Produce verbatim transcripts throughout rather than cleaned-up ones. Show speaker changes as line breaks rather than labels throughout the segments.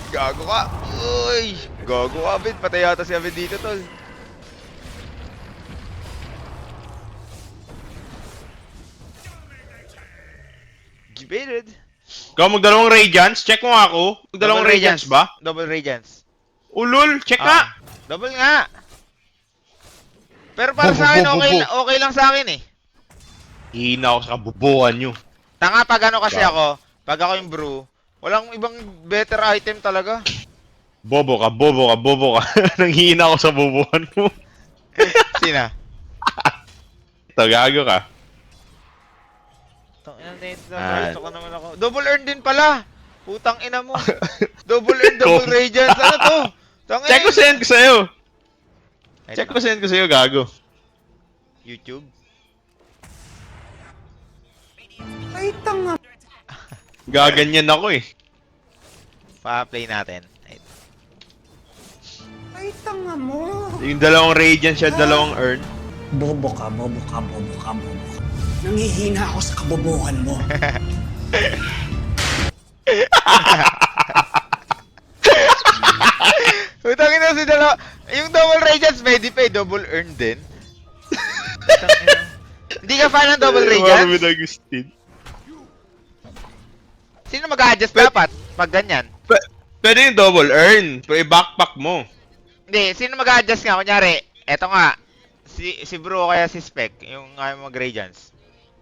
Gago ka! Uy! Gago ka, Abid. Patay yata si Abid dito, tol. Gibated.
Ikaw magdalawang Radiance? Check mo nga ako. Magdalawang
Double
Radiance ba?
Double Radiance.
Ulul, check nga!
Ah, double nga! Pero para
Bo,
sa akin,
bo, bo,
okay,
bo.
okay lang sa akin eh.
Hihina ako sa kabubuhan nyo.
Tanga pag ano kasi
Wow.
ako, pag ako yung brew, walang ibang better item talaga.
Bobo ka, bobo ka, bobo ka. Nanghihina ako sa bubuhan mo.
Sina?
Ito, gago ka.
Tang ina nito,
Ah.
ito ka naman ako. Double earn din pala. Putang ina mo. Double earn, double
Kung-
radiance. Ano to? Tang
Check ko send ko sa'yo.
Ito.
Check ko send ko sa'yo, gago.
YouTube.
Ay, tanga.
Gaganyan ako eh.
Pa-play natin. Ito.
Ay, tanga mo.
Yung dalawang Radiance siya, dalawang Earn.
Bobo ka, bobo ka, bobo ka, bobo ka. Nangihina ako sa kabobohan mo.
Putang ina si dalawa. Yung double radiance, may di pa eh, double earn din. Putang ina. Hindi ka fan ng double
Marami
radiance?
na Agustin.
Sino mag-adjust dapat pag ganyan?
P- Pwede yung double earn. Pwede backpack mo.
Hindi, sino mag-adjust nga? Kunyari, eto nga, si si bro kaya si Spec, yung ayaw mag-radiance.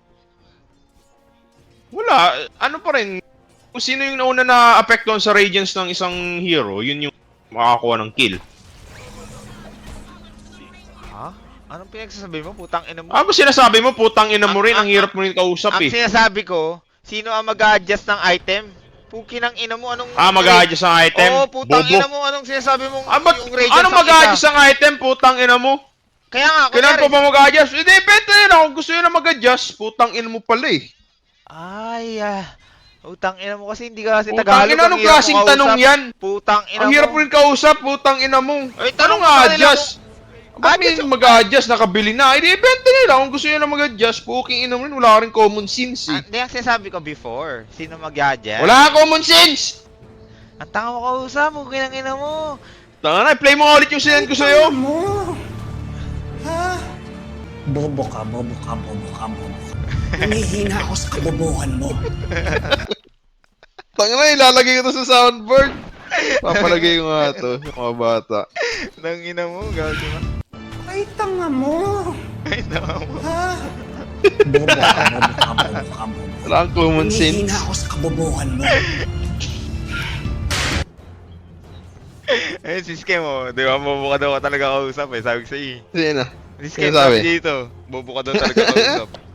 Wala. Ano pa rin. Kung sino yung nauna na apektuhan sa Radiance ng isang hero, yun yung makakakuha ng kill.
Ha? Anong pinagsasabi mo? Putang ina mo.
Ano ba sinasabi mo? Putang ina mo
Ang-
rin. Ang
ang-
hirap mo rin kausap
Ang
eh.
sinasabi ko, sino ang mag-adjust ng item? Puki ng ina mo, anong...
Ah, mag-a-adjust ang item?
Oo, putang
Bobo.
ina mo, anong sinasabi mong
Ah, ba't,
yung radiance
ano
ng
mag-a-adjust
isa?
ang item? Putang ina mo.
Kaya nga,
Kailan pa
kunyari...
ba mag-a-adjust? Eh, depende yun. Kung gusto yun na mag-adjust, putang ina mo pala eh.
Ay, ah. Putang ina mo kasi hindi ka kasi
Putang
Tagalog.
ina,
ang
anong
hirap mo
klaseng
kausap.
tanong yan?
Putang ina
Ang
mo.
hirap mo rin kausap, putang ina mo.
Ay,
Ano
tanong
nga
mo sa kanila
adjust? Ba't may
Adjust yung-
mag-a-adjust, nakabili na? Eh, depende nila. Kung gusto yun na mag-adjust, puking ina mo rin, wala ka rin common sense
Ah,
eh.
Hindi ang sinasabi ko before. Sino mag-adjust?
Wala ka common sense!
Ang tanga mo kausap, puki ng ina mo.
Tanga na, play mo nga ulit yung sinend ko sa'yo.
mo. Ha? Bobo ka, bobo ka, bobo ka, bobo ka. Nangihina ako sa kabobohan mo.
Tanga na, ilalagay ko to sa soundboard. Papalagay ko nga to, yung mga bata.
Nang ina mo, gago na.
Ay, tanga mo.
Ay, tanga mo.
Ha? Bobo ka, bobo ka, bobo ka, bobo ka.
Wala kang common sense.
Nangihina ako sa kabobohan mo.
Eh, si Skem mo, di ba, bobo ka daw ka talaga kausap eh, sabi ko sa'yo.
Sige na.
Si Skem
Sino sabi?
sabi dito, bobo ka daw talaga kausap.